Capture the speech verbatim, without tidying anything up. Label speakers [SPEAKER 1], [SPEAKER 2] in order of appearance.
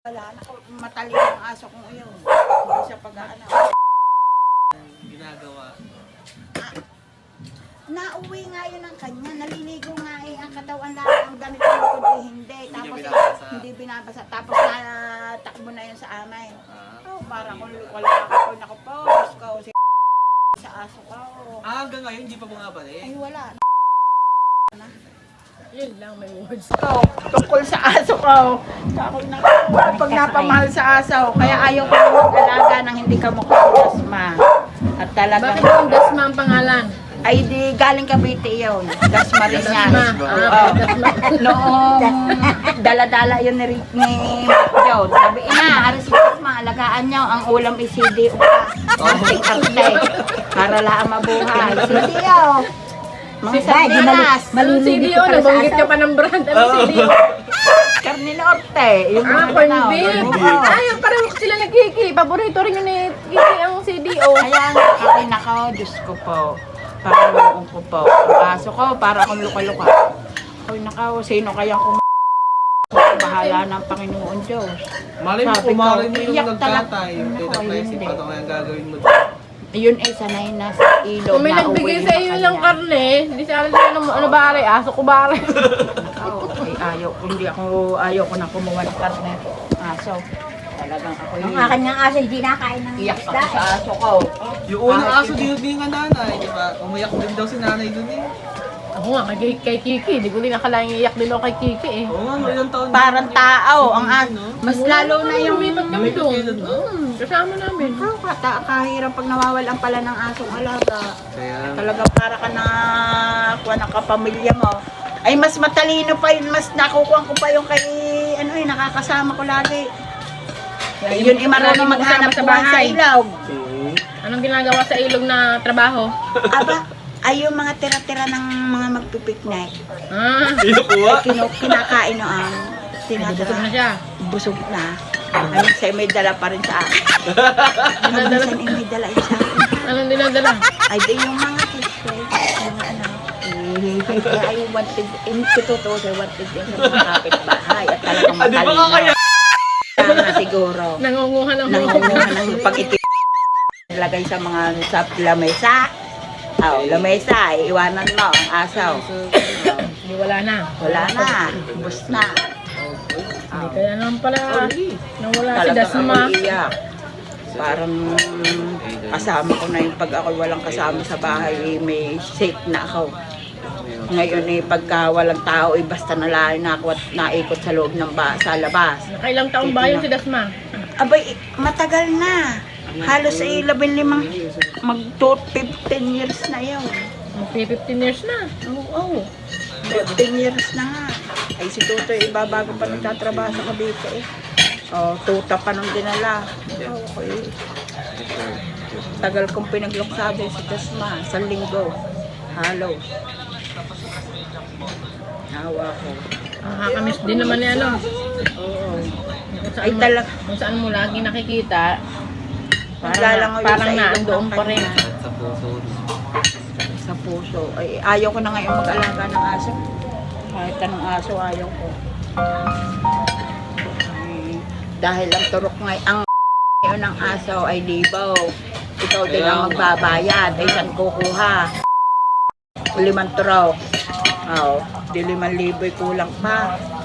[SPEAKER 1] Wala na, matalino ang aso kong iyon. Hindi siya pag-aano.
[SPEAKER 2] Ginagawa.
[SPEAKER 1] Ah, nauwi nga yun ang kanya. Naliligo nga eh. Ang katawan lang. Ang ganito likod eh. Hindi. Tapos
[SPEAKER 2] Hindi
[SPEAKER 1] eh,
[SPEAKER 2] binabasa.
[SPEAKER 1] hindi binabasa. Tapos natakbo na yun sa amin.
[SPEAKER 2] Ah.
[SPEAKER 1] Oh, para kung wala ako. Naku po. Diyos ko. Si sa aso ko.
[SPEAKER 2] Ah, hanggang ngayon, hindi pa bumabalik?
[SPEAKER 1] Ay, wala. Na.
[SPEAKER 3] Yun lang, may words.
[SPEAKER 1] Ko, tungkol sa aso ko. Ako na, pag napamahal sa aso, kaya ayaw ko mag-alaga ng hindi ka mukhang dasma. At talagang,
[SPEAKER 3] Bakit yung Dasma ang pangalan?
[SPEAKER 1] ay di galing Cavite yun. Dasma rin yan.
[SPEAKER 3] Dasma.
[SPEAKER 1] Oo.
[SPEAKER 3] Ah, Dasma.
[SPEAKER 1] Noong dala-dala yun ni, ni Joe. Sabi, ina, aras si Dasma, alagaan niyo. Ang ulam is C D O pa. Arte-arte. Para lang mabuhay. C D O. Mga sardinas.
[SPEAKER 3] Yung C D O, nabanggit ka pa ng brand. Ano C D O?
[SPEAKER 1] Carne Norte. Yung
[SPEAKER 3] Ah,
[SPEAKER 1] mga
[SPEAKER 3] corn
[SPEAKER 1] ganaw.
[SPEAKER 3] beef.
[SPEAKER 1] Oo.
[SPEAKER 3] Ay, parang sila ni Kiki. Paborito rin yun ni Kiki ang C D O.
[SPEAKER 1] Kaya nga, akin ako, Diyos ko po. Parang ko po. Ang aso ko, para akong luka-luka. Ako nakaw, sino kayang kum... Bahala ng Panginoon Diyos.
[SPEAKER 2] Malay mo,
[SPEAKER 1] Sabi ko,
[SPEAKER 2] kumarin mo yung
[SPEAKER 1] iyak talaga.
[SPEAKER 2] nagkatay. Yung
[SPEAKER 1] Naku,
[SPEAKER 2] tita
[SPEAKER 1] ayun
[SPEAKER 2] Plessy,
[SPEAKER 1] hindi.
[SPEAKER 2] paano kaya gagawin mo?
[SPEAKER 1] Ayun ay sanay na sa ilog.
[SPEAKER 3] Kung may
[SPEAKER 1] na
[SPEAKER 3] nagbigay
[SPEAKER 1] uwi
[SPEAKER 3] sa
[SPEAKER 1] na
[SPEAKER 3] iyo
[SPEAKER 1] kanya.
[SPEAKER 3] ng karne, hindi sa akin ano, ano bare, aso ko bare.
[SPEAKER 1] Nakaw, ay ayaw ko, hindi ako, ayaw ko na kumuha ng karne. Aso. Talagang ako
[SPEAKER 4] Ang
[SPEAKER 1] yun.
[SPEAKER 4] akin ng aso, hindi nakain ng
[SPEAKER 1] Iyak
[SPEAKER 4] isda.
[SPEAKER 1] ako sa aso ko.
[SPEAKER 2] Yung unang aso, dinubing nga nanay, di ba? Umayak din daw si nanay dun eh.
[SPEAKER 3] Ako nga, kay, kay Kiki. Hindi ko din nakalaing iyak din ako kay Kiki eh.
[SPEAKER 2] Oo nga, ilang taon.
[SPEAKER 1] Parang tao, ang aso.
[SPEAKER 2] no?
[SPEAKER 1] Mas lalo na yung...
[SPEAKER 3] Lumipat kami
[SPEAKER 2] Lumipat
[SPEAKER 3] doon.
[SPEAKER 2] kayo doon, no?
[SPEAKER 3] Hmm, kasama namin.
[SPEAKER 1] Ikaw, kata, kahirap pag nawawalan pala ng asong alaga.
[SPEAKER 2] Kaya,
[SPEAKER 1] Talaga para ka na kuha ng kapamilya mo. Ay, mas matalino pa yun, mas nakukuha ko pa yung kay, ano eh, nakakasama ko lagi. Ay, yun, eh, marunong maghanap
[SPEAKER 3] sa
[SPEAKER 1] buhay sa
[SPEAKER 3] bahay.
[SPEAKER 1] ilog.
[SPEAKER 2] hmm.
[SPEAKER 3] Anong ginagawa sa ilog na trabaho?
[SPEAKER 1] Aba, ay yung mga tira-tira ng mga magpipiknik.
[SPEAKER 3] Ah,
[SPEAKER 2] Inukuha?
[SPEAKER 1] Kino, kinakain noon.
[SPEAKER 3] busog na
[SPEAKER 1] Tinatira.
[SPEAKER 3] siya.
[SPEAKER 1] Busog na. Ay, sa'yo may dala pa rin sa akin.
[SPEAKER 3] Dinadala.
[SPEAKER 1] Minsan eh, may dala yun sa akin.
[SPEAKER 3] Anong dinadala?
[SPEAKER 1] Ay, di yung mga kisway, mga ano. Kaya ay wanted, in totoo sa wanted din sa mga kapitbahay at talagang
[SPEAKER 2] Ah, di ba nga kaya?
[SPEAKER 1] matalino. Tama siguro.
[SPEAKER 3] Nangunguha ng
[SPEAKER 1] Nangunguha ng pag-itim. Nilagay sa mga sa lamesa. Oh, lamesa, iiwanan mo ang asaw.
[SPEAKER 3] Hindi, wala na.
[SPEAKER 1] Wala na, bus na.
[SPEAKER 3] Hindi kaya naman pala nawala si
[SPEAKER 1] Talagang
[SPEAKER 3] Dasma.
[SPEAKER 1] ako iyak. Parang kasama ko na yung pag ako walang kasama sa bahay, eh, may sick na ako. Ngayon eh, pagka walang tao, eh, basta nalain na ako at naikot sa loob ng ba sa labas.
[SPEAKER 3] Nakailang taong ba yun si Dasma?
[SPEAKER 1] Abay, matagal na. Halos ay labing limang, mag fifteen years na yun.
[SPEAKER 3] Mag fifteen years na.
[SPEAKER 1] Oo, fifteen years na nga. Ay si Tutoy, ibabago pa nagtatrabaho sa Cavite eh. Oh, tuta pa nung dinala. Okay. Tagal kong pinagluksado si Tasma, sa linggo. Halo. Hawa ko.
[SPEAKER 3] Nakakamiss din naman ni ano.
[SPEAKER 1] Oo.
[SPEAKER 3] Kung
[SPEAKER 1] Ay
[SPEAKER 3] saan, mo,
[SPEAKER 1] talag,
[SPEAKER 3] kung saan mo lagi nakikita, parang,
[SPEAKER 1] naglalangoy
[SPEAKER 3] na, parang
[SPEAKER 1] sa ilong
[SPEAKER 3] naandoon
[SPEAKER 1] ng
[SPEAKER 3] pa rin.
[SPEAKER 1] kanya.
[SPEAKER 2] At sa puso.
[SPEAKER 1] Sa puso. Ay, ayaw ko na ngayon mag-alaga ng aso. Kahit anong aso, ayaw ko. Ay, dahil ang turok ngay ang ngayon ng aso ay libaw. Ikaw din ang magbabayad. Ay, saan kukuha? Limang turok. Oo, di limang libo'y kulang pa.